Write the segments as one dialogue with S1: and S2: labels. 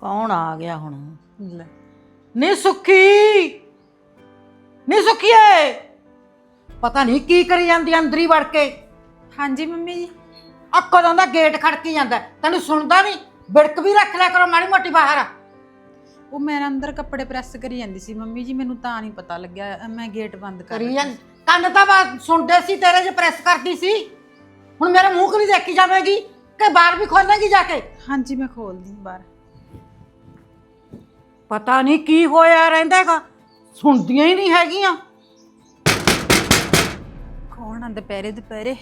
S1: ਕੌਣ ਆ ਗਿਆ ਹੁਣ?
S2: ਲੈ
S1: ਨੀ ਸੁੱਖੀ, ਨੀ ਸੁੱਖੀਏ, ਪਤਾ ਨਹੀਂ ਕੀ ਕਰੀ ਜਾਂਦੀ ਆ ਅੰਦਰ ਹੀ ਵੜ ਕੇ।
S2: ਹਾਂਜੀ ਮੰਮੀ ਜੀ।
S1: ਆ ਕਦੋਂ ਦਾ ਗੇਟ ਖੜਕੀ ਜਾਂਦਾ, ਤੈਨੂੰ ਸੁਣਦਾ ਨਹੀਂ? ਬਿੜਕ ਵੀ ਰੱਖ ਲਿਆ ਕਰੋ ਮਾੜੀ ਮੋਟੀ ਬਾਹਰ।
S2: ਉਹ ਮੈਂ ਅੰਦਰ ਕੱਪੜੇ ਪ੍ਰੈਸ ਕਰੀ ਜਾਂਦੀ ਸੀ ਮੰਮੀ ਜੀ, ਮੈਨੂੰ ਤਾਂ ਨਹੀਂ ਪਤਾ ਲੱਗਿਆ, ਮੈਂ ਗੇਟ ਬੰਦ ਕਰ
S1: ਕਰੀ ਜਾਂਦੀ ਕੰਨ ਤਾਂ ਬਾਤ ਸੁਣਦੇ ਸੀ ਤੇਰੇ, ਜੇ ਪ੍ਰੈਸ ਕਰਦੀ ਸੀ। ਹੁਣ ਮੇਰੇ ਮੂੰਹ ਕਿ ਨਹੀਂ ਦੇਖੀ ਜਾਵੇਗੀ ਕਿ ਬਾਹਰ ਵੀ ਖੋਲੇਗੀ ਜਾ ਕੇ?
S2: ਹਾਂਜੀ ਮੈਂ ਖੋਲਦੀ ਬਾਹਰ।
S1: ਪਤਾ ਨਹੀਂ ਕੀ ਹੋਇਆ ਰਹਿੰਦਾ ਹੈਗਾ, ਸੁਣਦੀਆਂ ਹੀ ਨਹੀਂ ਹੈਗੀਆਂ।
S2: ਕੌਣ ਆ ਦੁਪਹਿਰੇ ਦੁਪਹਿਰੇ?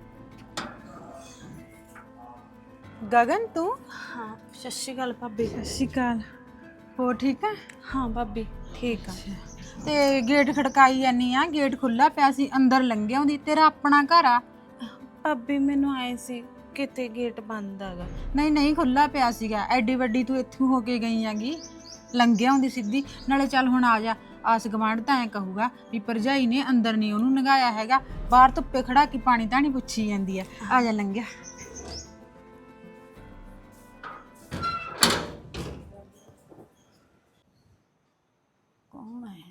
S2: ਗਗਨ ਤੂੰ?
S3: हाँ सत श्री अकाल भाभी।
S2: ਸਤਿ ਸ਼੍ਰੀ ਅਕਾਲ। ਹੋਰ ਠੀਕ ਹੈ?
S3: हाँ भाभी ठीक है।
S2: ਤੇ ਗੇਟ ਖੜਕਾਈ ਜਾਨੀ ਆ, ਗੇਟ ਖੁੱਲਾ ਪਿਆ ਸੀ, ਅੰਦਰ ਲੰਘਿਆ ਹੁੰਦੀ। ਤੇਰਾ ਆਪਣਾ ਘਰ ਆ?
S3: भाभी मैनू आए सी किते गेट बंद हैगा।
S2: ਨਹੀਂ ਨਹੀਂ ਖੁੱਲਾ ਪਿਆ ਸੀਗਾ, ਐਡੀ ਵੱਡੀ ਤੂੰ ਇੱਥੋਂ ਹੋ ਕੇ ਗਈ ਆਂਗੀ, ਲੰਘਿਆ ਹੁੰਦੀ ਸਿੱਧੀ। ਨਾਲੇ ਚੱਲ ਹੁਣ ਆ ਜਾ, ਆਸ ਗਵਾਂਢ ਤਾਂ ਐ ਕਹੂਗਾ ਵੀ ਭਰਜਾਈ ਨੇ ਅੰਦਰ ਨਹੀਂ ਉਹਨੂੰ ਨਗਾਇਆ ਹੈਗਾ, ਬਾਹਰ ਧੁੱਪੇ ਖੜਾ ਕੇ ਪਾਣੀ ਤਾਂ ਨਹੀਂ ਪੁੱਛੀ ਜਾਂਦੀ ਆ। ਆ ਜਾ ਲੰਘਿਆ।
S1: ਕੌਣ ਹੈ?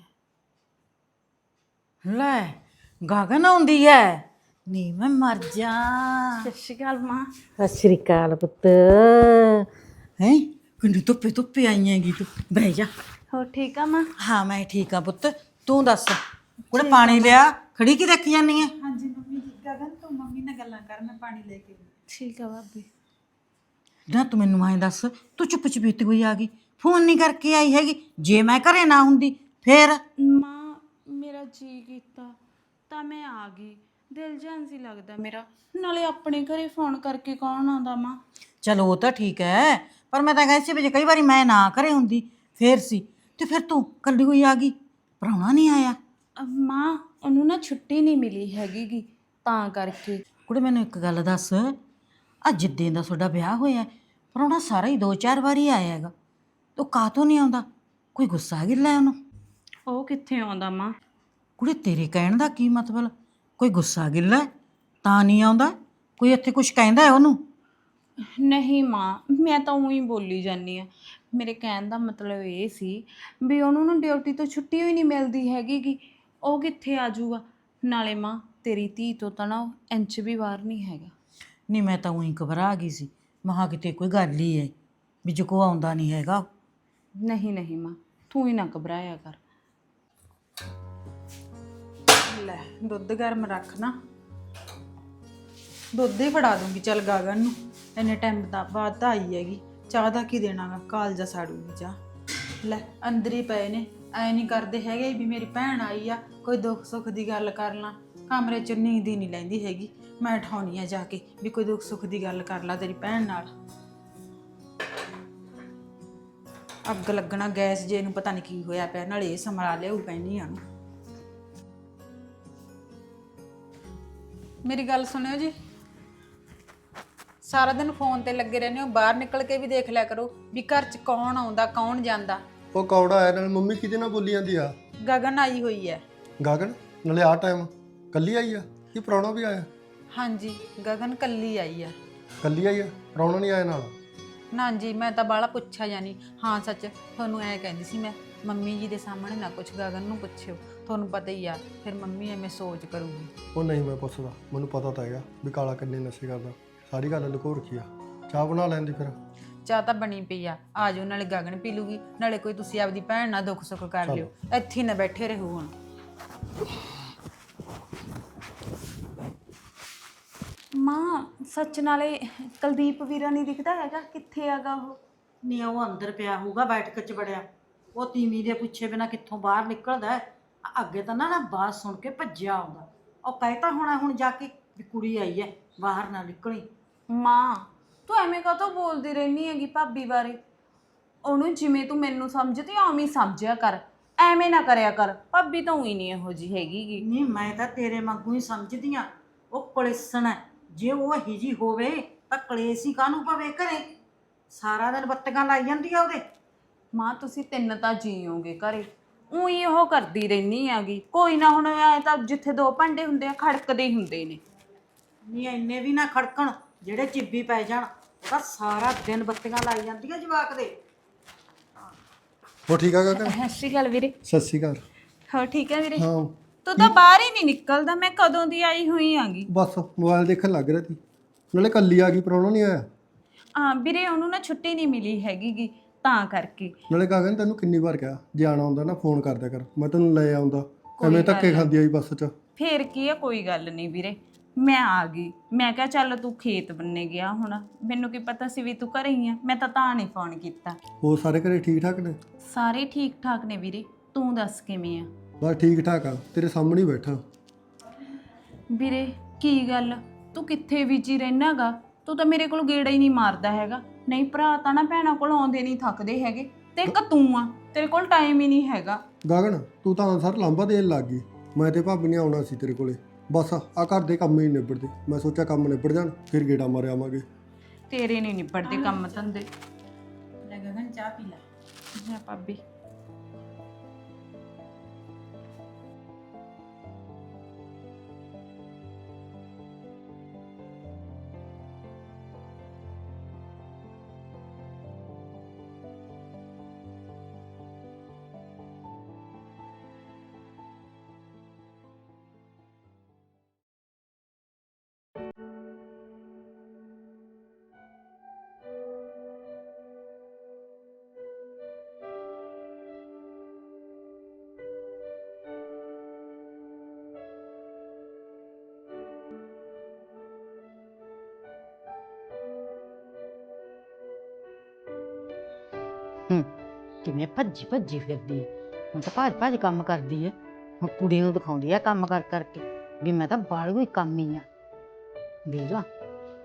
S1: ਲੈ ਗਗਨ ਆਉਂਦੀ ਹੈ। ਨੀ ਮੈਂ ਮਰ ਜਾ।
S3: सत श्री अकाल माँ।
S1: ਸਤਿ ਸ਼੍ਰੀ ਅਕਾਲ ਪੁੱਤ। ਹੈ ਕਿੰਨੀ ਧੁੱਪੇ ਧੁੱਪੇ ਆਈ ਹੈਗੀ ਤੂੰ, ਬਹਿ ਜਾ।
S3: हो ठीक है माँ।
S1: ਹਾਂ ਮੈਂ ਠੀਕ ਆ ਪੁੱਤ, ਤੂੰ ਦੱਸ ਕੁੜੇ ਪਾਣੀ ਲਿਆ, ਖੜੀ ਕੀ ਦੇਖੀ ਜਾਨੀ ਹੈ?
S2: ਹਾਂਜੀ ਮੰਮੀ ਜੀ। ਗਗਨ ਤੂੰ ਮੰਮੀ ਨਾਲ ਗੱਲਾਂ ਕਰ, ਮੈਂ ਪਾਣੀ ਲੈ ਕੇ ਆਈ।
S3: ठीक है भाभी।
S1: ਨਾ ਤੂੰ ਮੈਨੂੰ ਐਂ ਦੱਸ, ਤੂੰ ਚੁੱਪ ਚਪੀਤੀ ਹੋਈ ਆ ਗਈ, ਫੋਨ ਨਹੀਂ ਕਰਕੇ ਆਈ ਹੈਗੀ? ਜੇ ਮੈਂ ਘਰੇ ਨਾ ਹੁੰਦੀ ਫੇਰ?
S3: माँ मेरा जी कीता ਤਾਂ ਮੈਂ ਆ ਗਈ, ਦਿਲ ਜਾਨ ਸੀ ਲੱਗਦਾ ਮੇਰਾ। ਨਾਲੇ ਆਪਣੇ ਘਰੇ ਫੋਨ ਕਰਕੇ ਕੌਣ ਆਉਂਦਾ ਮਾਂ?
S1: ਚਲੋ ਉਹ ਤਾਂ ਠੀਕ ਹੈ, ਪਰ ਮੈਂ ਤਾਂ ਕਹਿੰਦੀ ਸੀ ਵੀ ਜੇ ਕਈ ਵਾਰੀ ਮੈਂ ਨਾ ਘਰੇ ਹੁੰਦੀ ਫੇਰ ਸੀ। ਤੇ ਫਿਰ ਤੂੰ ਕੱਲੀ ਹੋਈ ਆ ਗਈ, ਪ੍ਰਾਹੁਣਾ ਨਹੀਂ ਆਇਆ?
S3: ਮਾਂ ਉਹਨੂੰ ਨਾ ਛੁੱਟੀ ਨਹੀਂ ਮਿਲੀ ਹੈਗੀ ਗੀ, ਤਾਂ ਕਰਕੇ।
S1: ਕੁੜੇ ਮੈਨੂੰ ਇੱਕ ਗੱਲ ਦੱਸ, ਆ ਜਿੱਦੇ ਦਾ ਤੁਹਾਡਾ ਵਿਆਹ ਹੋਇਆ ਪ੍ਰਾਹੁਣਾ ਸਾਰਾ ਹੀ 2-4 ਵਾਰੀ ਆਇਆ ਹੈਗਾ, ਤੂੰ ਕਾਹਤੋਂ ਨਹੀਂ ਆਉਂਦਾ? ਕੋਈ ਗੁੱਸਾ ਗਿੱਲਾ ਉਹਨੂੰ?
S3: ਉਹ ਕਿੱਥੇ ਆਉਂਦਾ ਮਾਂ?
S1: ਕੁੜੇ ਤੇਰੇ ਕਹਿਣ ਦਾ ਕੀ ਮਤਲਬ? ਕੋਈ ਗੁੱਸਾ ਗਿੱਲਾ ਹੈ ਤਾਂ ਨਹੀਂ ਆਉਂਦਾ? ਕੋਈ ਇੱਥੇ ਕੁਝ ਕਹਿੰਦਾ ਹੈ ਉਹਨੂੰ?
S3: ਨਹੀਂ ਮਾਂ, ਮੈਂ ਤਾਂ ਉਹੀ ਬੋਲੀ ਜਾਂਦੀ ਆ। ਮੇਰੇ ਕਹਿਣ ਦਾ ਮਤਲਬ ਇਹ ਸੀ ਵੀ ਉਹਨੂੰ ਨਾ ਡਿਊਟੀ ਤੋਂ ਛੁੱਟੀ ਹੋਈ ਨਹੀਂ ਮਿਲਦੀ ਹੈਗੀ ਗੀ, ਉਹ ਕਿੱਥੇ ਆ ਜਾਊਗਾ? ਨਾਲੇ ਮਾਂ ਤੇਰੀ ਧੀ ਤੋਂ ਤਾਂ ਨਾ ਉਹ ਇੰਚ ਵੀ ਬਾਹਰ ਨਹੀਂ ਹੈਗਾ।
S1: ਨਹੀਂ ਮੈਂ ਤਾਂ ਉਹੀ ਘਬਰਾ ਗਈ ਸੀ, ਮਹਾ ਕਿਤੇ ਕੋਈ ਗੱਲ ਹੀ ਹੈ ਵੀ ਜੇ ਕੋ ਆਉਂਦਾ ਨਹੀਂ ਹੈਗਾ।
S3: ਨਹੀਂ ਨਹੀਂ ਮਾਂ, ਤੂੰ ਹੀ ਨਾ ਘਬਰਾਇਆ ਕਰ।
S2: ਲੈ ਦੁੱਧ ਗਰਮ ਰੱਖ ਨਾ, ਦੁੱਧ ਹੀ ਫੜਾ ਦੂੰਗੀ ਚੱਲ ਗਗਨ ਨੂੰ। ਇੰਨੇ ਟਾਈਮ ਦਾ ਬਾਅਦ ਤਾਂ ਆਈ ਹੈਗੀ, ਚਾਹ ਦਾ ਕੀ ਦੇਣਾਗਾ, ਕਾਲਜਾ ਸਾੜੂਗੀ ਚਾਹ। ਲੈ ਅੰਦਰ ਹੀ ਪਏ ਨੇ, ਐ ਨਹੀਂ ਕਰਦੇ ਹੈਗੇ ਵੀ ਮੇਰੀ ਭੈਣ ਆਈ ਆ, ਕੋਈ ਦੁੱਖ ਸੁੱਖ ਦੀ ਗੱਲ ਕਰ ਲਾਂ। ਕਮਰੇ 'ਚ ਨੀਂਦ ਹੀ ਨਹੀਂ ਲੈਂਦੀ ਹੈਗੀ, ਮੈਂ ਉਠਾਉਣੀ ਆ ਜਾ ਕੇ ਵੀ ਕੋਈ ਦੁੱਖ ਸੁੱਖ ਦੀ ਗੱਲ ਕਰ ਲਾ ਤੇਰੀ ਭੈਣ ਨਾਲ। ਅੱਗ ਲੱਗਣਾ ਗੈਸ ਜੇ ਨੂੰ, ਪਤਾ ਨਹੀਂ ਕੀ ਹੋਇਆ ਪਿਆ, ਨਾਲੇ ਇਹ ਸਮਰਾ ਲਿਆਊ ਪੈਣੀ ਆ। ਮੇਰੀ ਗੱਲ ਸੁਣਿਓ ਜੀ, ਸਾਰਾ ਦਿਨ ਫੋਨ ਤੇ ਲੱਗੇ ਰਹਿੰਦੇ ਹੋ, ਬਾਹਰ ਨਿਕਲ ਕੇ ਵੀ ਦੇਖ ਲਿਆ ਕਰੋ ਵੀ ਘਰ 'ਚ ਕੌਣ ਆਉਂਦਾ ਕੌਣ ਜਾਂਦਾ।
S4: ਉਹ ਕੌੜਾ ਆਇਆ ਨਾਲ ਮੰਮੀ ਕਿਹਦੇ ਨਾਲ ਬੋਲੀ ਜਾਂਦੀ ਆ?
S2: ਗਗਨ ਆਈ ਹੋਈ ਹੈ।
S4: ਗਗਨ ਨਾਲੇ ਆ ਟਾਈਮ ਕੱਲੀ ਆਈ ਆ ਕੀ ਪ੍ਰਾਹੁਣਾ ਵੀ ਆਇਆ?
S2: ਹਾਂਜੀ ਗਗਨ ਕੱਲੀ ਆਈ ਆ।
S4: ਕੱਲੀ ਆਈ ਆ, ਪ੍ਰਾਹੁਣਾ ਨਹੀਂ ਆਇਆ ਨਾਲ?
S2: ਨਾ ਜੀ ਮੈਂ ਤਾਂ ਬਾਹਲਾ ਪੁੱਛਿਆ ਜਾਨੀ। ਹਾਂ ਸੱਚ ਤੁਹਾਨੂੰ ਐ ਕਹਿੰਦੀ ਸੀ ਮੈਂ, ਮੰਮੀ ਜੀ ਦੇ ਸਾਹਮਣੇ ਨਾ ਕੁਛ ਗਗਨ ਨੂੰ ਪੁੱਛਿਓ, ਤੁਹਾਨੂੰ ਪਤਾ ਹੀ ਆ ਫਿਰ ਮੰਮੀ ਐਵੇਂ ਸੋਚ ਕਰੂਗੀ।
S4: ਉਹ ਨਹੀਂ ਮੈਂ ਪੁੱਛਦਾ, ਮੈਨੂੰ ਪਤਾ ਤਾਂ ਹੈਗਾ ਵੀ ਕਾਲਾ ਕਿੰਨੇ ਨਸ਼ੇ ਕਰਦਾ, ਸਾਰੀ ਗੱਲ ਲੁਕੋ ਰੱਖੀ ਆ। ਚਾਹ ਬਣਾ ਲੈਂਦੀ ਫਿਰ।
S2: ਚਾਹ ਤਾਂ ਬਣੀ ਪਈ ਆ, ਆ ਜਾਓ, ਨਾਲੇ ਗਗਨ ਪੀ ਲੂਗੀ, ਨਾਲੇ ਕੋਈ ਤੁਸੀਂ ਆਪਦੀ ਭੈਣ ਨਾਲ ਦੁੱਖ ਸੁੱਖ ਕਰ ਲਿਓ, ਇੱਥੇ ਹੀ ਨਾ ਬੈਠੇ ਰਹੋ ਹੁਣ।
S3: ਮਾਂ ਸੱਚ ਨਾਲੇ ਕੁਲਦੀਪ ਵੀਰਾ ਨਹੀਂ ਦਿਖਦਾ ਹੈਗਾ, ਕਿੱਥੇ ਹੈਗਾ ਉਹ?
S1: ਨਹੀਂ ਉਹ ਅੰਦਰ ਪਿਆ ਹੋਊਗਾ ਬੈਠਕ 'ਚ ਵੜਿਆ, ਉਹ ਤੀਵੀਂ ਦੇ ਪੁੱਛੇ ਬਿਨਾ ਕਿੱਥੋਂ ਬਾਹਰ ਨਿਕਲਦਾ ਹੈ? ਅੱਗੇ ਤਾਂ ਨਾ ਬਾਤ ਸੁਣ ਕੇ ਭੱਜਿਆ ਆਉਂਦਾ, ਉਹ ਕਹਿਤਾ ਹੋਣਾ ਹੁਣ ਜਾ ਕੇ ਵੀ ਕੁੜੀ ਆਈ ਹੈ ਬਾਹਰ ਨਾ ਨਿਕਲੀ।
S3: ਮਾਂ ਤੂੰ ਐਵੇਂ ਕਾਹਤੋਂ ਬੋਲਦੀ ਰਹਿਨੀ ਹੈਗੀ ਭਾਬੀ ਬਾਰੇ? ਉਹਨੂੰ ਜਿਵੇਂ ਤੂੰ ਮੈਨੂੰ ਸਮਝਦੀ ਉਵੇਂ ਹੀ ਸਮਝਿਆ ਕਰ, ਐਵੇਂ ਨਾ ਕਰਿਆ ਕਰ। ਭਾਬੀ ਤਾਂ ਉਹੀ ਨਹੀਂ ਇਹੋ ਜਿਹੀ ਹੈਗੀ ਗੀ।
S1: ਨਹੀਂ ਮੈਂ ਤਾਂ ਤੇਰੇ ਵਾਂਗੂ ਹੀ ਸਮਝਦੀ ਆ, ਉਹ ਕਲੇਸਣ ਹੈ। ਜੇ ਉਹ ਇਹੀ ਜੀ ਹੋਵੇ ਤਾਂ ਕਲੇਸ਼ ਹੀ ਕਾਹਨੂੰ ਪਵੇ ਘਰੇ? ਸਾਰਾ ਦਿਨ ਬੱਤੀਆਂ ਲਾਈ ਜਾਂਦੀ ਆ ਉਹਦੇ।
S3: ਮਾਂ ਤੁਸੀਂ ਤਿੰਨ ਤਾਂ ਜੀਓਗੇ ਘਰੇ, ਉਹੀ ਉਹ ਕਰਦੀ ਰਹਿਨੀ ਹੈਗੀ। ਕੋਈ ਨਾ ਹੁਣ ਐ ਤਾਂ ਜਿੱਥੇ ਦੋ ਭਾਂਡੇ ਹੁੰਦੇ ਆ ਖੜਕਦੇ ਹੀ ਹੁੰਦੇ ਨੇ।
S1: ਨਹੀਂ ਇੰਨੇ ਵੀ ਨਾ ਖੜਕਣ ਜਿਹੜੇ ਚਿੱਬੀ ਪੈ ਜਾਣ। ਉਹ ਤਾਂ ਸਾਰਾ ਦਿਨ ਬੱਤੀਆਂ ਲਾਈ ਜਾਂਦੀ ਆ ਜਵਾਕ ਦੇ।
S4: ਹੋ ਠੀਕ ਆ ਗਗਨ?
S3: ਸਤਿ ਸ਼੍ਰੀ ਅਕਾਲ ਵੀਰੇ।
S4: ਸਤਿ ਸ਼੍ਰੀ ਅਕਾਲ।
S3: ਹੋਰ ਠੀਕ ਹੈ ਵੀਰੇ?
S4: ਹਾਂ
S3: ਤੂੰ ਤਾਂ ਬਾਹਰ ਹੀ ਨਹੀਂ ਨਿਕਲਦਾ, ਮੈਂ ਕਦੋਂ ਦੀ ਆਈ ਹੋਈ ਆਂਗੀ।
S4: ਬਸ ਮੋਬਾਈਲ ਦੇਖਣ ਲੱਗ ਰਿਹਾ ਸੀ, ਨਾਲੇ ਕੱਲੀ ਆ ਗਈ, ਪ੍ਰਾਹੁਣਾ ਨਹੀਂ ਆਇਆ।
S3: ਹਾਂ ਵੀਰੇ, ਉਹਨੂੰ ਨਾ ਛੁੱਟੀ ਨਹੀਂ ਮਿਲੀ ਹੈਗੀ ਤਾਂ ਕਰਕੇ।
S4: ਨਾਲੇ ਗਗਨ ਤੈਨੂੰ ਕਿੰਨੀ ਵਾਰ ਕਿਹਾ ਜੇ ਆਉਣਾ ਹੁੰਦਾ ਨਾ ਫੋਨ ਕਰ ਦਿਆ ਕਰ, ਮੈਂ ਤੈਨੂੰ ਲੈ ਆਉਂਦਾ।
S3: ਕੋਈ
S4: ਐਵੇਂ
S3: ਗੱਲ
S4: ਧੱਕੇ ਖਾਂਦੀ ਆਈ ਬੱਸ 'ਚ।
S3: ਫੇਰ ਕੀ ਆ, ਕੋਈ ਗੱਲ ਨਹੀਂ ਵੀਰੇ, ਮੈਂ ਆ ਗਈ। ਮੈਂ ਕਿਹਾ ਚੱਲ ਤੂੰ ਖੇਤ ਬੰਨੇ ਗਿਆ ਹੁਣ, ਮੈਨੂੰ ਕੀ ਪਤਾ ਸੀ ਵੀ ਤੂੰ ਘਰੇ ਹੀ ਆ, ਮੈਂ ਤਾਂ ਨਹੀਂ ਫੋਨ ਕੀਤਾ।
S4: ਹੋਰ ਸਾਰੇ ਘਰੇ ਠੀਕ ਠਾਕ ਨੇ?
S3: ਸਾਰੇ ਠੀਕ ਠਾਕ ਨੇ ਵੀਰੇ, ਤੂੰ ਦੱਸ ਕਿਵੇਂ ਆ?
S4: ਬਸ ਠੀਕ ਠਾਕ ਆ, ਤੇਰੇ ਸਾਹਮਣੇ ਹੀ ਬੈਠਾ।
S3: ਵੀਰੇ ਕੀ ਗੱਲ, ਤੂੰ ਕਿੱਥੇ ਵਿਜੀ ਰਹਿਨਾਗਾ? ਤੂੰ ਤਾਂ ਮੇਰੇ ਕੋਲ ਗੇੜਾ ਹੀ ਨਹੀਂ ਮਾਰਦਾ ਹੈਗਾ। ਨਹੀਂ ਭਰਾ ਤਾਂ ਨਾ ਭੈਣਾਂ ਕੋਲ ਆਉਂਦੇ ਨਹੀਂ ਥੱਕਦੇ ਹੈਗੇ, ਤੇ ਇੱਕ ਤੂੰ ਆ, ਤੇਰੇ ਕੋਲ ਟਾਈਮ ਹੀ ਨਹੀਂ ਹੈਗਾ।
S4: ਗਗਨ ਤੂੰ ਤਾਂ ਅਨਸਰ ਲਾਂਭਾ ਦੇਣ ਲੱਗ ਗਈ। ਮੈਂ ਤੇ ਭਾਬੀ ਨੇ ਆਉਣਾ ਸੀ ਤੇਰੇ ਕੋਲੇ, ਬਸ ਆ ਘਰ ਦੇ ਕੰਮ ਹੀ ਨਹੀਂ ਨਿਬੜਦੇ। ਮੈਂ ਸੋਚਿਆ ਕੰਮ ਨਿਬੜ ਜਾਣ ਫਿਰ ਗੇੜਾ ਮਾਰ ਆਵਾਂਗੇ।
S3: ਤੇਰੇ ਨਹੀਂ ਨਿਬੜਦੇ ਕੰਮ ਧੰਦੇ।
S2: ਲੈ ਗਗਨ ਚਾਹ ਪੀ ਲੈ।
S3: ਲੈ ਭਾਬੀ।
S1: ਕਿਵੇਂ ਭੱਜੀ ਭੱਜੀ ਫਿਰਦੀ ਹੈ। ਹੁਣ ਤਾਂ ਭੱਜ ਭੱਜ ਕੰਮ ਕਰਦੀ ਹੈ। ਹੁਣ ਕੁੜੀ ਨੂੰ ਦਿਖਾਉਂਦੀ ਹੈ ਕੰਮ ਕਰ ਕਰਕੇ ਵੀ ਮੈਂ ਤਾਂ ਬਾਹਰ ਕੋਈ ਕੰਮ ਹੀ ਆ। ਦੇਖ ਲਾ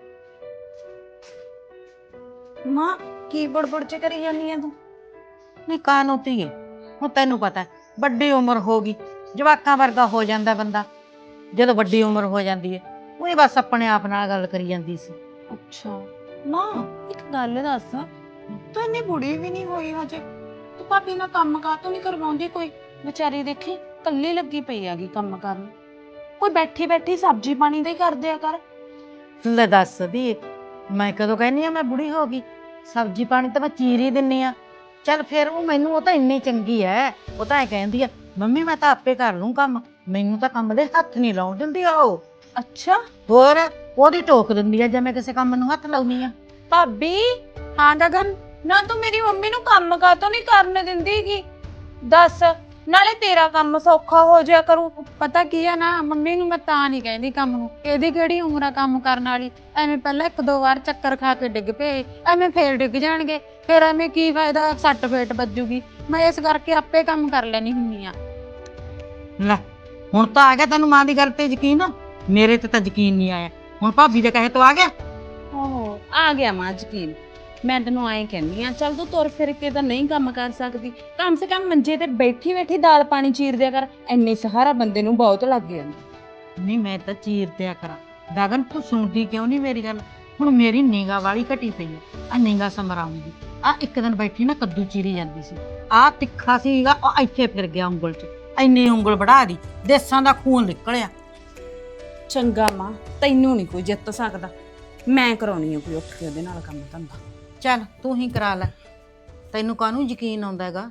S3: ਮਾਂ ਕੀ ਬੜਬੜ ਚ ਕਰੀ ਜਾਂਦੀ ਆ ਤੂੰ?
S1: ਨਹੀਂ ਕਾਹਨੂੰ ਧੀਏ, ਹੁਣ ਤੈਨੂੰ ਪਤਾ ਵੱਡੀ ਉਮਰ ਹੋ ਗਈ, ਜਵਾਕਾਂ ਵਰਗਾ ਹੋ ਜਾਂਦਾ ਬੰਦਾ ਜਦੋਂ ਵੱਡੀ ਉਮਰ ਹੋ ਜਾਂਦੀ ਹੈ। ਉਹ ਬਸ ਆਪਣੇ ਆਪ ਨਾਲ ਗੱਲ ਕਰੀ ਜਾਂਦੀ ਸੀ।
S3: ਅੱਛਾ ਮਾਂ, ਇੱਕ ਗੱਲ ਦੱਸ, ਤੂੰ ਇੰਨੀ ਬੁੜੀ ਵੀ ਨਹੀਂ ਹੋਈ ਹਜੇ, ਤੂੰ ਭਾਬੀ ਨਾਲ ਕੰਮ ਕਾਹਤੋਂ ਨਹੀਂ ਕਰਵਾਉਂਦੀ? ਕੋਈ ਵਿਚਾਰੀ ਦੇਖੀ ਕੱਲੀ ਲੱਗੀ ਪਈ ਹੈਗੀ ਕੰਮ ਕਰਨ, ਕੋਈ ਬੈਠੀ ਬੈਠੀ ਸਬਜ਼ੀ ਪਾਣੀ ਦਾ ਹੀ ਕਰ ਦਿਆ ਕਰ।
S1: ਲੈ ਦੱਸ ਦੀ, ਮੈਂ ਕਦੋਂ ਕਹਿੰਦੀ ਆ ਮੈਂ ਬੁੜੀ ਹੋ ਗਈ? ਸਬਜ਼ੀ ਪਾਣੀ ਤਾਂ ਮੈਂ ਚੀਰ ਹੀ ਦਿੰਨੀ ਆ। ਚੱਲ ਫਿਰ ਉਹ ਤਾਂ ਇੰਨੀ ਚੰਗੀ ਐ, ਉਹ ਤਾਂ ਐ ਕਹਿੰਦੀ ਆ ਮੰਮੀ ਮੈਂ ਤਾਂ ਆਪੇ ਕਰ ਲੂੰ ਕੰਮ, ਮੈਨੂੰ ਤਾਂ ਕੰਮ ਦੇ ਹੱਥ ਨਹੀਂ ਲਾਉਣ ਦਿੰਦੀ ਉਹ।
S3: ਅੱਛਾ
S1: ਹੋਰ ਉਹਦੀ ਟੋਕ ਦਿੰਦੀ ਆ ਜੇ ਮੈਂ ਕਿਸੇ ਕੰਮ ਨੂੰ ਹੱਥ ਲਾਉਣੀ ਆ।
S3: ਭਾਬੀ। ਹਾਂ ਗਗਨ, ਨਾ ਤੂੰ ਮੇਰੀ ਮੰਮੀ ਨੂੰ ਕੰਮ ਕਾਹਤੋਂ ਨਹੀਂ ਕਰਨ ਦਿੰਦੀਗੀ? ਦੱਸ, ਨਾਲੇ ਤੇਰਾ ਕੰਮ ਸੌਖਾ ਹੋ ਜਾਇਆ ਕਰੂ।
S2: ਪਤਾ ਕੀ ਆ ਨਾ, ਮੰਮੀ ਨੂੰ ਮੈਂ ਤਾਂ ਨਹੀਂ ਕਹਿੰਦੀ ਕੰਮ ਨੂੰ, ਇਹਦੀ ਕਿਹੜੀ ਉਮਰ ਆ ਕੰਮ ਕਰਨ ਵਾਲੀ। ਐਵੇਂ ਪਹਿਲਾਂ ਇੱਕ ਦੋ ਵਾਰ ਚੱਕਰ ਖਾ ਕੇ ਡਿੱਗ ਪਏ, ਐਵੇਂ ਫੇਰ ਡਿੱਗ ਜਾਣਗੇ, ਫਿਰ ਐਵੇਂ ਕੀ ਫਾਇਦਾ, ਸੱਟ ਫੇਟ ਵੱਜੂਗੀ। ਮੈਂ ਇਸ ਕਰਕੇ ਆਪੇ ਕੰਮ ਕਰ ਲੈਣੀ ਹੁੰਨੀ ਆ।
S1: ਲੈ ਹੁਣ ਤਾਂ ਆ ਗਿਆ ਤੈਨੂੰ ਮਾਂ ਦੀ ਗੱਲ ਤੇ ਯਕੀਨ? ਮੇਰੇ ਤੇ ਤਾਂ ਯਕੀਨ ਨਹੀਂ ਆਇਆ, ਹੁਣ ਭਾਬੀ ਦੇ ਕਹੇ ਤੋਂ ਆ ਗਿਆ।
S3: ਓਹੋ, ਆ ਗਿਆ ਮਾਂ ਯਕੀਨ। ਮੈਂ ਤੈਨੂੰ ਐਂ ਕਹਿੰਦੀ ਆ, ਚੱਲ ਤੂੰ ਤੁਰ ਫਿਰ ਕੇ ਤਾਂ ਨਹੀਂ ਕੰਮ ਕਰ ਸਕਦੀ, ਕਮ ਸੇ ਕਮ ਮੰਜੇ ਤੇ ਬੈਠੀ ਬੈਠੀ ਦਾਲ ਪਾਣੀ ਚੀਰ ਦਿਆ ਕਰ, ਇੰਨੇ ਸਹਾਰਾ ਬੰਦੇ ਨੂੰ ਬਹੁਤ ਲੱਗ ਜਾਂਦਾ।
S1: ਨਹੀਂ ਮੈਂ ਤਾਂ ਚੀਰ ਦਿਆ ਕਰਾਂ। ਗਗਨ ਤੂੰ ਸੁਣਦੀ ਕਿਉਂ ਨਹੀਂ ਮੇਰੀ ਗੱਲ? ਹੁਣ ਮੇਰੀ ਨਿਗਾਹ ਵਾਲੀ ਘਟੀ ਪਈ ਹੈ, ਆ ਨਿਗਾਹ ਸਮਰਾਉਂਗੀ। ਆ ਇੱਕ ਦਿਨ ਬੈਠੀ ਨਾ ਕੱਦੂ ਚੀਰੀ ਜਾਂਦੀ ਸੀ, ਆ ਤਿੱਖਾ ਸੀਗਾ, ਉਹ ਇੱਥੇ ਫਿਰ ਗਿਆ ਉਂਗਲ 'ਚ, ਇੰਨੀ ਉਂਗਲ ਵੜਾ ਦੀ, ਦੇਸਾਂ ਦਾ ਖੂਨ ਨਿਕਲਿਆ।
S3: ਚੰਗਾ ਮਾਂ, ਤੈਨੂੰ ਨਹੀਂ ਕੋਈ ਜਿੱਤ ਸਕਦਾ, ਮੈਂ ਕਰਾਉਣੀ ਆ ਕੋਈ ਉੱਠ ਕੇ ਉਹਦੇ ਨਾਲ ਕੰਮ ਧੰਦਾ।
S1: ਚੱਲ ਤੂੰ ਹੀ ਕਰਾ ਲੈ, ਤੈਨੂੰ ਕਾਹਨੂੰ ਯਕੀਨ ਆਉਂਦਾ ਹੈਗਾ?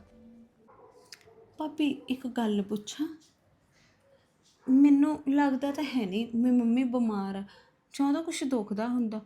S3: ਭਾਬੀ ਇੱਕ ਗੱਲ ਪੁੱਛਾਂ? ਮੈਨੂੰ ਲੱਗਦਾ ਤਾਂ ਹੈ ਨਹੀਂ ਮੇਰੀ ਮੰਮੀ ਬਿਮਾਰ ਆ, ਜਾਂ ਉਹਦਾ ਕੁਛ ਦੁਖਦਾ ਹੁੰਦਾ।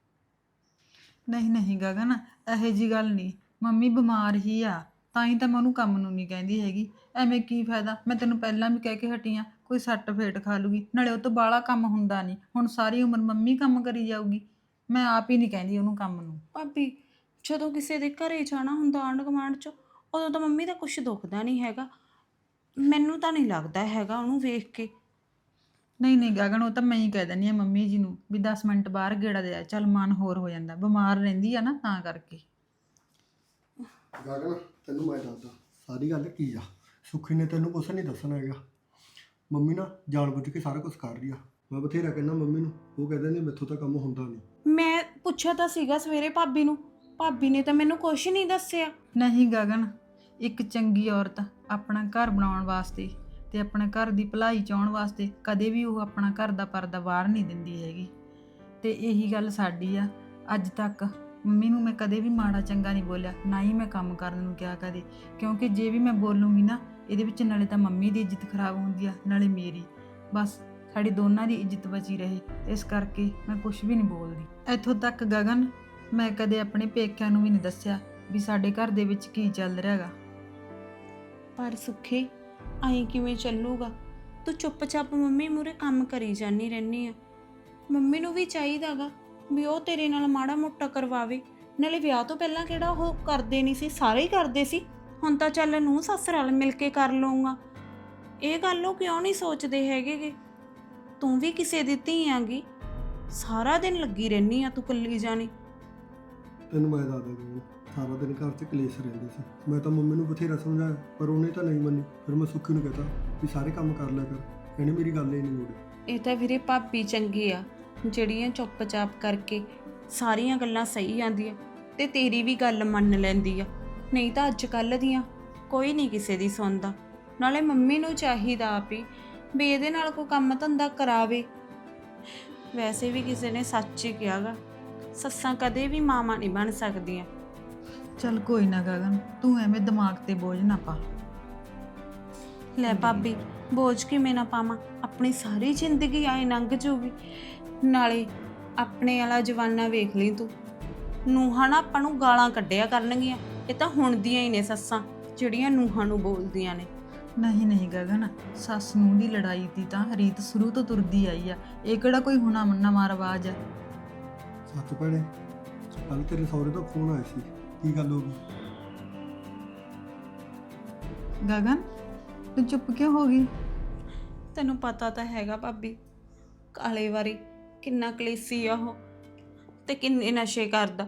S2: ਨਹੀਂ ਨਹੀਂ ਗਗਨ, ਇਹੋ ਜੀ ਗੱਲ ਨਹੀਂ, ਮੰਮੀ ਬਿਮਾਰ ਹੀ ਆ, ਤਾਂ ਹੀ ਤਾਂ ਮੈਂ ਉਹਨੂੰ ਕੰਮ ਨੂੰ ਨਹੀਂ ਕਹਿੰਦੀ ਹੈਗੀ। ਐਵੇਂ ਕੀ ਫਾਇਦਾ, ਮੈਂ ਤੈਨੂੰ ਪਹਿਲਾਂ ਵੀ ਕਹਿ ਕੇ ਹਟੀ ਆ, ਕੋਈ ਸੱਟ ਫੇਟ ਖਾ ਲੂਗੀ, ਨਾਲੇ ਉਹ ਤੋਂ ਬਾਹਲਾ ਕੰਮ ਹੁੰਦਾ ਨਹੀਂ। ਹੁਣ ਸਾਰੀ ਉਮਰ ਮੰਮੀ ਕੰਮ ਕਰੀ ਜਾਊਗੀ, ਮੈਂ ਆਪ ਹੀ ਨਹੀਂ ਕਹਿੰਦੀ ਉਹਨੂੰ ਕੰਮ ਨੂੰ।
S3: ਭਾਬੀ ਜਦੋਂ ਕਿਸੇ ਦੇ ਘਰੇ ਜਾਣਾ ਹੁੰਦਾ ਆਂਢ ਗੁਆਂਢ 'ਚ, ਉਦੋਂ ਤਾਂ ਮੰਮੀ ਦਾ ਕੁਛ ਦੁਖਦਾ ਨਹੀਂ ਹੈਗਾ, ਮੈਨੂੰ ਤਾਂ ਨਹੀਂ ਲੱਗਦਾ ਹੈਗਾ ਉਹਨੂੰ ਵੇਖ ਕੇ।
S2: ਨਹੀਂ ਨਹੀਂ ਗਗਨ, ਉਹ ਤਾਂ ਮੈਂ ਹੀ ਕਹਿ ਦਿੰਦੀ ਆ ਮੰਮੀ ਜੀ ਨੂੰ ਵੀ 10 ਮਿੰਟ ਬਾਹਰ ਗੇੜਾ ਦੇ ਆ, ਚੱਲ ਮਨ ਹੋਰ ਹੋ ਜਾਂਦਾ, ਬਿਮਾਰ ਰਹਿੰਦੀ ਆ ਨਾ ਤਾਂ ਕਰਕੇ।
S4: ਗਗਨ ਤੈਨੂੰ ਮੈਂ ਦੱਸਦਾ ਸਾਰੀ ਗੱਲ ਕੀ ਆ। ਸੁੱਖੀ ਨੇ ਤੈਨੂੰ ਕੁਛ ਨਹੀਂ ਦੱਸਣਾ ਹੈਗਾ। ਮੰਮੀ ਨਾ ਜਾਣ ਬੁੱਝ ਕੇ ਸਾਰਾ ਕੁਝ ਕਰ ਰਹੀ ਆ। ਮੈਂ ਬਥੇਰਾ ਕਹਿੰਦਾ ਮੰਮੀ ਨੂੰ, ਉਹ ਕਹਿੰਦੇ ਨੇ ਮੈਥੋਂ ਤਾਂ ਕੰਮ ਹੁੰਦਾ ਨਹੀਂ।
S3: ਮੈਂ ਪੁੱਛਿਆ ਤਾਂ ਸੀਗਾ ਸਵੇਰੇ ਭਾਬੀ ਨੂੰ, ਭਾਬੀ ਨੇ ਤਾਂ ਮੈਨੂੰ ਕੁਛ ਨਹੀਂ ਦੱਸਿਆ।
S2: ਨਹੀਂ ਗਗਨ, ਇੱਕ ਚੰਗੀ ਔਰਤ ਆਪਣਾ ਘਰ ਬਣਾਉਣ ਵਾਸਤੇ ਤੇ ਆਪਣੇ ਘਰ ਦੀ ਭਲਾਈ ਚਾਹੁਣ ਵਾਸਤੇ ਕਦੇ ਵੀ ਉਹ ਆਪਣਾ ਘਰ ਦਾ ਪਰਦਾ ਬਾਹਰ ਨਹੀਂ ਦਿੰਦੀ ਹੈਗੀ। ਤੇ ਇਹੀ ਗੱਲ ਸਾਡੀ ਆ, ਅੱਜ ਤੱਕ ਮੰਮੀ ਨੂੰ ਮੈਂ ਕਦੇ ਵੀ ਮਾੜਾ ਚੰਗਾ ਨਹੀਂ ਬੋਲਿਆ, ਨਾ ਹੀ ਮੈਂ ਕੰਮ ਕਰਨ ਨੂੰ ਕਿਹਾ ਕਦੇ, ਕਿਉਂਕਿ ਜੇ ਵੀ ਮੈਂ ਬੋਲੂੰਗੀ ਨਾ ਇਹਦੇ ਵਿੱਚ ਨਾਲੇ ਤਾਂ ਮੰਮੀ ਦੀ ਇੱਜ਼ਤ ਖਰਾਬ ਹੁੰਦੀ ਆ ਨਾਲੇ ਮੇਰੀ। ਬਸ ਸਾਡੀ ਦੋਨਾਂ ਦੀ ਇੱਜ਼ਤ ਬਚੀ ਰਹੇ, ਇਸ ਕਰਕੇ ਮੈਂ ਕੁਝ ਵੀ ਨਹੀਂ ਬੋਲਦੀ। ਇੱਥੋਂ ਤੱਕ ਗਗਨ, ਮੈਂ ਕਦੇ ਆਪਣੇ ਪੇਕਿਆਂ ਨੂੰ ਵੀ ਨਹੀਂ ਦੱਸਿਆ ਵੀ ਸਾਡੇ ਘਰ ਦੇ ਵਿੱਚ ਕੀ ਚੱਲ ਰਿਹਾ ਹੈਗਾ।
S3: ਪਰ ਸੁੱਖੀ ਐਂ ਕਿਵੇਂ ਚੱਲੂਗਾ? ਤੂੰ ਚੁੱਪਚਾਪ ਮੰਮੀ ਮੂਹਰੇ ਕੰਮ ਕਰੀ ਜਾਂਦੀ ਰਹਿੰਦੀ ਆ। ਮੰਮੀ ਨੂੰ ਵੀ ਚਾਹੀਦਾਗਾ ਵੀ ਉਹ ਤੇਰੇ ਨਾਲ ਮਾੜਾ ਮੋਟਾ ਕਰਵਾਵੇ। ਨਾਲੇ ਵਿਆਹ ਤੋਂ ਪਹਿਲਾਂ ਕਿਹੜਾ ਉਹ ਕਰਦੇ ਨਹੀਂ ਸੀ, ਸਾਰੇ ਹੀ ਕਰਦੇ ਸੀ। ਹੁਣ ਤਾਂ ਚੱਲ ਨੂੰ ਸੱਸ ਰਲ ਮਿਲ ਕੇ ਕਰ ਲਊਗਾ। ਇਹ ਗੱਲ ਉਹ ਕਿਉਂ ਨਹੀਂ ਸੋਚਦੇ ਹੈਗੇ? ਤੂੰ ਵੀ ਕਿਸੇ ਦੀ ਧੀ ਆਂਗੀ, ਸਾਰਾ ਦਿਨ ਲੱਗੀ ਰਹਿੰਦੀ ਆ ਤੂੰ ਕੱਲੀ ਜਾਣੀ।
S4: ਤੈਨੂੰ ਮੈਂ ਦੱਸਦਾ ਗਗਨ, ਸਾਰਾ ਦਿਨ ਘਰ 'ਚ ਕਲੇਸ਼ ਰਹਿੰਦੇ ਸੀ। ਮੈਂ ਤਾਂ ਮੰਮੀ ਨੂੰ ਬਥੇਰਾ ਸਮਝਾਇਆ ਪਰ ਉਹਨੇ ਤਾਂ ਨਹੀਂ ਮੰਨੀ। ਫਿਰ ਮੈਂ ਸੁੱਖੀ ਨੂੰ ਕਹਤਾ ਵੀ ਸਾਰੇ ਕੰਮ ਕਰ ਲਿਆ ਕਰ, ਇਹਨੇ ਮੇਰੀ ਗੱਲ ਹੀ ਨਹੀਂ ਮੋੜੀ।
S3: ਇਹ ਤਾਂ ਵੀਰੇ ਭਾਬੀ ਚੰਗੀ ਆ ਜਿਹੜੀਆਂ ਚੁੱਪਚਾਪ ਕਰਕੇ ਸਾਰੀਆਂ ਗੱਲਾਂ ਸਹੀ ਆਂਦੀਆਂ ਤੇ ਤੇਰੀ ਵੀ ਗੱਲ ਮੰਨ ਲੈਂਦੀ ਆ। ਨਹੀਂ ਤਾਂ ਅੱਜ ਕੱਲ੍ਹ ਦੀਆਂ ਕੋਈ ਨਹੀਂ ਕਿਸੇ ਦੀ ਸੁਣਦਾ। ਨਾਲੇ ਮੰਮੀ ਨੂੰ ਚਾਹੀਦਾ ਆਪ ਹੀ ਵੀ ਇਹਦੇ ਨਾਲ ਕੋਈ ਕੰਮ ਧੰਦਾ ਕਰਾਵੇ। ਵੈਸੇ ਵੀ ਕਿਸੇ ਨੇ ਸੱਚ ਹੀ ਕਿਹਾਗਾ, ਸੱਸਾਂ ਕਦੇ ਵੀ ਮਾਵਾਂ ਨਹੀਂ ਬਣ ਸਕਦੀਆਂ।
S2: ਚੱਲ ਕੋਈ ਨਾ ਗਗਨ, ਤੂੰ ਐਵੇਂ ਦਿਮਾਗ ਤੇ ਬੋਝ ਨਾ ਪਾ।
S3: ਲੈ ਭਾਬੀ, ਬੋਝ ਕਿਵੇਂ ਨਾ ਪਾਵਾਂ? ਆਪਣੀ ਸਾਰੀ ਜ਼ਿੰਦਗੀ ਆਏ ਲੰਘ ਜੂਗੀ। ਨਾਲੇ ਆਪਣੇ ਵਾਲਾ ਜਵਾਨਾ ਵੇਖ ਲਈ ਤੂੰ, ਨੂੰਹਾਂ ਨਾ ਆਪਾਂ ਨੂੰ ਗਾਲਾਂ ਕੱਢਿਆ ਕਰਨਗੀਆਂ। ਇਹ ਤਾਂ ਹੁਣ ਦੀਆਂ ਹੀ ਨੇ ਸੱਸਾਂ ਜਿਹੜੀਆਂ ਨੂੰਹਾਂ ਨੂੰ ਬੋਲਦੀਆਂ ਨੇ।
S2: ਨਹੀਂ ਨਹੀਂ ਗਗਨ, ਸੱਸ ਨੂੰਹ ਦੀ ਲੜਾਈ ਦੀ ਤਾਂ ਰੀਤ ਸ਼ੁਰੂ ਤੋਂ ਤੁਰਦੀ ਆਈ ਆ। ਇਹ ਕਿਹੜਾ ਕੋਈ ਹੁਣ ਨਵਾਂ ਰਿਵਾਜ ਆ?
S4: ਸੱਚ ਭੈਣੇ, ਕੱਲ ਤੇਰੇ ਸਹੁਰੇ ਦਾ ਫੋਨ ਆਇਆ ਸੀ, ਕੀ ਗੱਲ ਹੋ ਗਈ?
S2: ਗਗਨ, ਤੂੰ ਚੁੱਪ ਕਿਉਂ ਹੋ ਗਈ?
S3: ਤੈਨੂੰ ਪਤਾ ਤਾਂ ਹੈਗਾ ਭਾਬੀ, ਕਾਲੇ ਵਾਰੀ ਕਿੰਨਾ ਕਲੇਸੀ ਆ ਉਹ ਤੇ ਕਿੰਨੇ ਨਸ਼ੇ ਕਰਦਾ।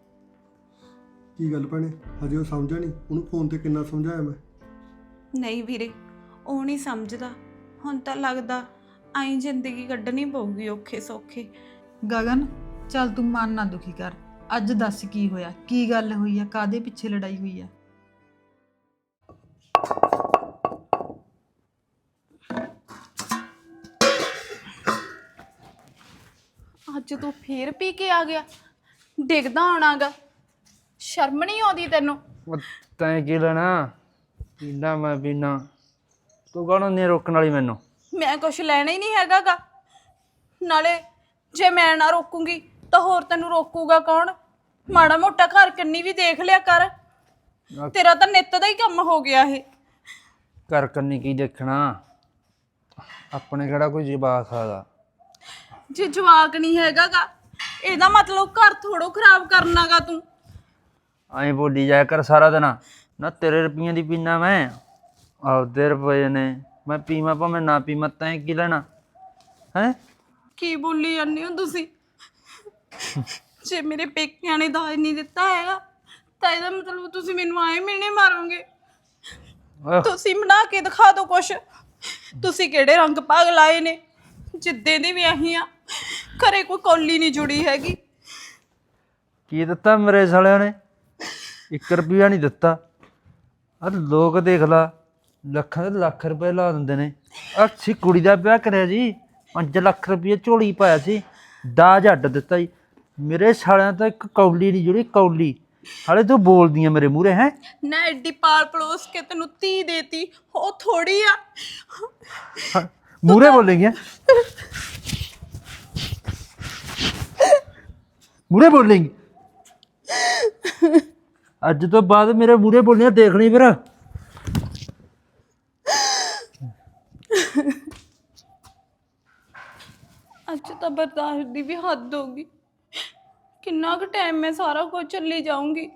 S4: ਕੀ ਗੱਲ ਭੈਣੇ, ਹਜੇ ਉਹ ਸਮਝਿਆ ਨਹੀਂ? ਉਹਨੂੰ ਫੋਨ ਤੇ ਕਿੰਨਾ ਸਮਝਾਇਆ ਮੈਂ।
S3: ਨਹੀਂ ਵੀਰੇ, ਉਹ ਨਹੀਂ ਸਮਝਦਾ। ਹੁਣ ਤਾਂ ਲੱਗਦਾ ਆਈ ਜ਼ਿੰਦਗੀ ਕੱਢਣੀ ਪਊਗੀ ਔਖੇ ਸੌਖੇ।
S2: ਗਗਨ, ਚੱਲ ਤੂੰ ਮਨ ਨਾ ਦੁਖੀ ਕਰ। ਅੱਜ ਦੱਸ ਕੀ ਹੋਇਆ, ਕੀ ਗੱਲ ਹੋਈ ਆ, ਕਾਦੇ ਪਿੱਛੇ ਲੜਾਈ ਹੋਈ ਆ?
S5: ਅੱਜ ਤੂੰ ਫੇਰ ਪੀ ਕੇ ਆ ਗਿਆ? ਡਿੱਗਦਾ ਆਉਣਾਗਾ, ਸ਼ਰਮ ਨਹੀਂ ਆਉਂਦੀ ਤੈਨੂੰ?
S6: ਤੈਂ ਕੀ ਲੈਣਾ? ਪੀਣਾ ਮੈਂ ਪੀਣਾ, ਤੂੰ ਕੌਣ ਨਹੀਂ ਰੋਕਣ ਵਾਲੀ ਮੈਨੂੰ?
S5: ਮੈਂ ਕੁਛ ਲੈਣਾ ਹੀ ਨਹੀਂ ਹੈਗਾਗਾ। ਨਾਲੇ ਜੇ ਮੈਂ ਨਾ ਰੋਕੂੰਗੀ ਤਾਂ ਹੋਰ ਤੈਨੂੰ ਰੋਕੂਗਾ ਕੌਣ? ਮਾੜਾ ਮੋਟਾ ਘਰ ਕੰਨੀ ਵੀ ਦੇਖ ਲਿਆ ਕਰ। ਤੇਰਾ ਤਾਂ ਨਿੱਤ ਦਾ ਹੀ ਕੰਮ ਹੋ ਗਿਆ ਇਹ।
S6: ਘਰ ਕੰਨੀ ਕੀ ਦੇਖਣਾ? ਆਪਣੇ ਕਿਹੜਾ ਕੋਈ ਜਵਾਕ ਹੈਗਾ?
S5: ਜੇ ਜਵਾਕ ਨਹੀਂ ਹੈਗਾਗਾ ਇਹਦਾ ਮਤਲਬ ਘਰ ਥੋੜੋ ਖਰਾਬ ਕਰਨਾਗਾ ਤੂੰ।
S6: ਐਂ ਬੋਲੀ ਜਾਇਆ ਕਰ ਸਾਰਾ ਦਿਨ। ਨਾ ਤੇਰੇ ਰੁਪਈਆਂ ਦੀ ਪੀਣਾ ਮੈਂ, ਆਪਦੇ ਰੁਪਏ ਨੇ। ਮੈਂ ਪੀਵਾਂ ਭਾਵੇਂ ਨਾ ਪੀਵਾਂ, ਤੈਂ ਕੀ ਲੈਣਾ ਹੈ?
S5: ਕੀ ਬੋਲੀ ਜਾਂਦੇ ਹੋ ਤੁਸੀਂ? ਜੇ ਮੇਰੇ ਪੇਕਿਆਂ ਨੇ ਦਾਜ ਨਹੀਂ ਦਿੱਤਾ ਹੈਗਾ ਤਾਂ ਇਹਦਾ ਮਤਲਬ ਤੁਸੀਂ ਮੈਨੂੰ ਆਏ ਮਿਲਣੇ ਮਾਰੋਗੇ। ਤੁਸੀਂ ਬਣਾ ਕੇ ਦਿਖਾ ਦਿਓ ਕੁਛ। ਤੁਸੀਂ ਕਿਹੜੇ ਰੰਗ ਭਾਗ ਲਾਏ ਨੇ? ਜਿੱਦੇ ਦੀ ਵੀ ਆਹੀ ਆ, ਘਰੇ ਕੋਈ ਕੌਲੀ ਨਹੀਂ ਜੁੜੀ ਹੈਗੀ।
S6: ਕੀ ਦਿੱਤਾ ਮੇਰੇ ਸਾਲਿਆਂ ਨੇ? 1 ਰੁਪਿਆ ਨਹੀਂ ਦਿੱਤਾ। ਆ ਲੋਕ ਦੇਖ ਲਾ, ਲੱਖਾਂ ਦੇ ਲੱਖ ਰੁਪਏ ਲਾ ਦਿੰਦੇ ਨੇ। ਅਸੀਂ ਕੁੜੀ ਦਾ ਵਿਆਹ ਕਰਿਆ ਜੀ, 5 ਲੱਖ ਰੁਪਏ ਝੋਲੀ ਪਾਇਆ ਸੀ, ਦਾਜ ਅੱਡ ਦਿੱਤਾ ਜੀ। ਮੇਰੇ ਸਾਲਿਆਂ ਤਾਂ ਇੱਕ ਕੌਲੀ ਨਹੀਂ ਜੁੜੀ, ਕੌਲੀ। ਹਾਲੇ ਤੂੰ ਬੋਲਦੀਆਂ ਮੇਰੇ ਮੂਹਰੇ ਹੈ?
S5: ਨਾ ਐਡੀ ਪਾਲ ਪਲੋਸ ਕੇ ਤੈਨੂੰ ਧੀ ਦੇਤੀ, ਉਹ ਥੋੜੀ ਆ।
S6: ਮੂਹਰੇ ਬੋਲੇਂਗੇ? ਮੂਹਰੇ ਬੋਲੇਂਗੇ? ਅੱਜ ਤੋਂ ਬਾਅਦ ਮੇਰੇ ਮੂਹਰੇ ਬੋਲੀਆਂ ਦੇਖ ਲਈ ਫਿਰ।
S5: ਅੱਜ ਤਾਂ ਬਰਦਾਸ਼ਤ ਦੀ ਵੀ ਹੱਦ ਹੋ ਗਈ। ਕਿੰਨਾ ਕੁ ਟਾਈਮ ਮੈਂ ਸਾਰਾ ਕੁਝ ਚੱਲੀ ਜਾਊਂਗੀ?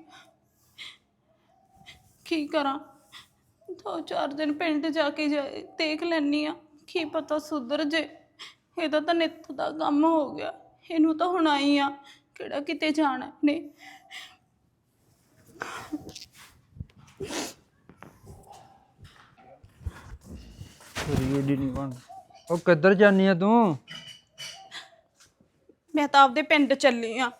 S5: ਕੀ ਕਰਾਂ? 2-4 ਦਿਨ ਪਿੰਡ ਜਾ ਕੇ ਦੇਖ ਲੈਣੀ ਆ, ਕੀ ਪਤਾ ਸੁਧਰ ਜੇ। ਇਹਦਾ ਤਾਂ ਨਿੱਤ ਦਾ ਕੰਮ ਹੋ ਗਿਆ, ਇਹਨੂੰ ਤਾਂ ਹੁਣ ਆਈ ਆ, ਕਿਹੜਾ ਕਿਤੇ ਜਾਣਾ ਨੇ।
S6: ਉਹ ਕਿੱਧਰ ਜਾਨੀ ਆ ਤੂੰ?
S5: ਮੈਂ ਤਾਂ ਆਪਦੇ ਪਿੰਡ ਚੱਲੀ ਆ।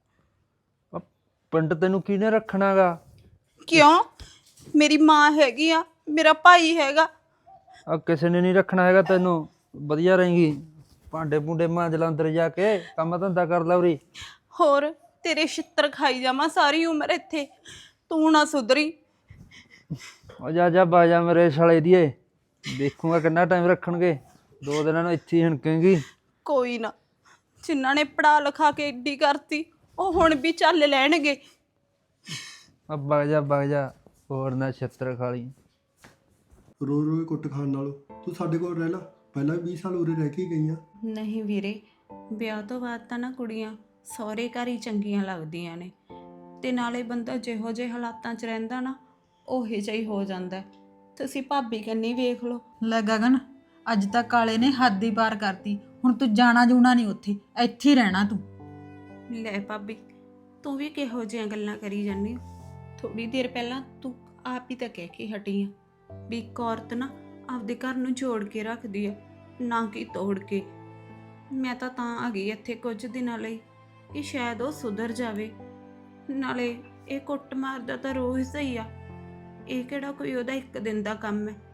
S6: ਪਿੰਡ ਤੈਨੂੰ ਕਿਹਨੇ ਰੱਖਣਾਗਾ?
S5: ਕਿਉਂ? ਮੇਰੀ ਮਾਂ ਹੈਗੀ ਆ, ਮੇਰਾ ਭਾਈ ਹੈਗਾ।
S6: ਆ ਕਿਸੇ ਨੇ ਨਹੀਂ ਰੱਖਣਾ ਹੈਗਾ ਤੈਨੂੰ। ਵਧੀਆ ਰਹੇਂਗੀ, ਭਾਂਡੇ ਭੁੰਡੇ ਮਾਂਜ ਲਾ, ਅੰਦਰ ਜਾ ਕੇ ਕੰਮ ਧੰਦਾ ਕਰ ਲੈ ਉਰੀ।
S5: ਹੋਰ ਤੇਰੇ ਛਿੱਤਰ ਖਾਈ ਜਾਵਾਂ ਸਾਰੀ ਉਮਰ ਇੱਥੇ, ਤੂੰ ਨਾ ਸੁਧਰੀ।
S6: ਉਹ ਜਾ ਬਾਜਾ ਮੇਰੇ ਸਾਲੇ ਦੀਏ, ਦੇਖੂਗਾ ਕਿੰਨਾ ਟਾਈਮ ਰੱਖਣਗੇ। 2 ਦਿਨਾਂ ਨੂੰ ਇੱਥੇ ਹੀ ਹਣਕੇਂਗੀ।
S5: ਕੋਈ ਨਾ, ਜਿਨ੍ਹਾਂ ਨੇ ਪੜਾ ਲਿਖਾ ਕੇ ਏਡੀ ਕਰਤੀ ਉਹ ਹੁਣ ਵੀ ਚੱਲ ਲੈਣਗੇ।
S6: ਆ ਵਗ ਜਾ ਹੋਰ ਨਾ ਛਿੱਤਰ ਖਾ ਲਈ।
S4: ਰੋ ਰੋ ਕੁੱਟ ਖਾਣ ਨਾਲੋਂ ਤੂੰ ਸਾਡੇ ਕੋਲ ਰਹਿ ਲਾ। ਪਹਿਲਾਂ ਵੀ 20 ਸਾਲ ਉਰੇ ਰਹਿ ਕੇ ਹੀ ਗਈਆਂ।
S5: ਨਹੀਂ ਵੀਰੇ, ਵਿਆਹ ਤੋਂ ਬਾਅਦ ਤਾਂ ਨਾ ਕੁੜੀਆਂ ਸਹੁਰੇ ਘਰ ਹੀ ਚੰਗੀਆਂ ਲੱਗਦੀਆਂ ਨੇ, ਤੇ ਨਾਲੇ ਬੰਦਾ ਜਿਹੋ ਜਿਹੇ ਹਾਲਾਤਾਂ 'ਚ ਰਹਿੰਦਾ ਨਾ ਉਹੇ ਜਿਹਾ ਹੀ ਹੋ ਜਾਂਦਾ। ਤੁਸੀਂ ਭਾਬੀ ਕੰਨੀ ਵੇਖ ਲਓ।
S2: ਲੈ ਗਗਨ, ਅੱਜ ਤੱਕ ਕਾਲੇ ਨੇ ਹੱਦ ਹੀ ਪਾਰ ਕਰਤੀ। ਹੁਣ ਤੂੰ ਜਾਣਾ ਜੂਣਾ ਨਹੀਂ ਉੱਥੇ, ਇੱਥੇ ਹੀ ਰਹਿਣਾ ਤੂੰ।
S5: ਲੈ ਭਾਬੀ, ਤੂੰ ਵੀ ਕਿਹੋ ਜਿਹੀਆਂ ਗੱਲਾਂ ਕਰੀ ਜਾਂਦੀ ਹੋ। ਥੋੜੀ ਦੇਰ ਪਹਿਲਾਂ ਤੂੰ ਆਪ ਹੀ ਤਾਂ ਕਹਿ ਕੇ ਹਟੀ ਆ ਵੀ ਇੱਕ ਔਰਤ ਨਾ ਆਪਦੇ ਘਰ ਨੂੰ ਜੋੜ ਕੇ ਰੱਖਦੀ ਆ, ਨਾ ਕਿ ਤੋੜ ਕੇ। ਮੈਂ ਤਾਂ ਆ ਗਈ ਇੱਥੇ ਕੁਝ ਦਿਨਾਂ ਲਈ ਕਿ ਸ਼ਾਇਦ ਉਹ ਸੁਧਰ ਜਾਵੇ। ਨਾਲੇ ਇਹ ਕੁੱਟ ਮਾਰਦਾ ਤਾਂ ਰੋਜ਼ ਹੀ ਆ, ਇਹ ਕਿਹੜਾ ਕੋਈ ਉਹਦਾ ਇੱਕ ਦਿਨ ਦਾ ਕੰਮ ਹੈ।